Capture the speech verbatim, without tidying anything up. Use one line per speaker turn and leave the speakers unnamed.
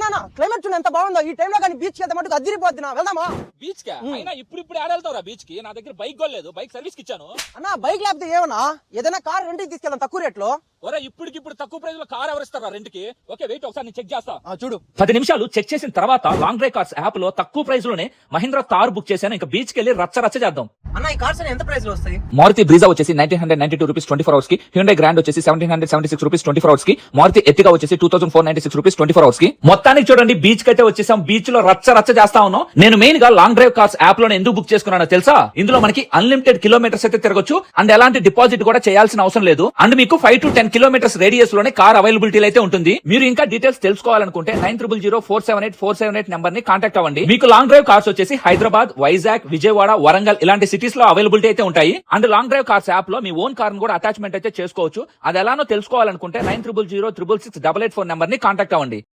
అన్నా క్లైమేట్ చూడండి ఎంత బాగుందో. ఈ టైంలో కానీ బీచ్ కి వెళ్తే మటుకు అదిరిపోద్ది నా. వెళ్దామా
బీచ్ కా? అయినా ఇప్పుడు ఇప్పుడు ఆడెళ్తావురా బీచ్ కి? నా దగ్గర బైక్ కూడా లేదు, బైక్ సర్వీస్ కి ఇచ్చాను.
అన్నా బైక్ లేకపోతే ఏమన్నా ఏదైనా కార్ రెంట్కి తీసుకెళ్దాం తక్కువ రేట్లో.
ఒరే ఇప్పటికిప్పుడు తక్కువ ప్రైస్ లో కార్ ఎవరిస్తారా రెంట్ కి? ఓకే వెయిట్, ఒకసారి నేను చెక్ చేస్తా.
చూడు
పది నిమిషాలు చెక్ చేసిన తర్వాత లాంగ్ డ్రైవ్ కార్స్ యాప్ లో తక్కువ ప్రైస్ లోనే మహీంద్రా తార్ బుక్ చేశాను. ఇంకా బీచ్ కి వెళ్ళి రచ్చ రచ్చ చేద్దాం.
అన్న ఈ కార్స్ ఎంత ప్రైస్ లో వస్తాయి?
మారుతి బ్రీజా వచ్చేసి nineteen hundred ninety two rupees twenty four hours కి, హ్యుండై గ్రాండ్ వచ్చేసి seventeen hundred seventy six rupees twenty four hours కి, మారుతి ఎర్టిగా వచ్చేసి two thousand four ninety six rupees twenty four hours కి. మొత్తానికి చూడండి బీచ్ కి అయితే వచ్చేసాం. బీచ్ లో రచ్చ రచ్చ చేస్తా ఉన్నాం. నేను మెయిన్ గా లాంగ్ డ్రైవ్ కార్స్ యాప్ లో ఎందుకు బుక్ చేసుకున్నానో తెలుసా? ఇందులో మనకి అన్లిమిటెడ్ కిలోమీటర్స్ అయితే తిరగొచ్చు అండ్ ఎలాంటి డిపాజిట్ కూడా చేయాల్సిన అవసరం లేదు. అండ్ మీకు five to ten kilometres radius లోనే కార్ అవైలబిలిటీ అయితే ఉంటుంది. మీరు ఇంకా డీటెయిల్స్ తెలుసుకోవాలనుకుంటే nine triple zero four seven eight four seven eight number ని కాంటాక్ట్ అవ్వండి. మీకు లాంగ్ డ్రైవ్ కార్స్ వచ్చేసి హైదరాబాద్, వైజాగ్, విజయవాడ, వరంగల్ ఇలాంటి సిటీస్ లో అవైలబిలిటీ అయితే ఉంటాయి. And long drive cars app లో మీ ఓన్ కార్ కూడా అటాచ్మెంట్ అయితే చేసుకోవచ్చు. అది ఎలానో తెలుసుకోవాలనుకుంటే nine triple zero triple six double eight four number ని కాంటాక్ట్ అవ్వండి.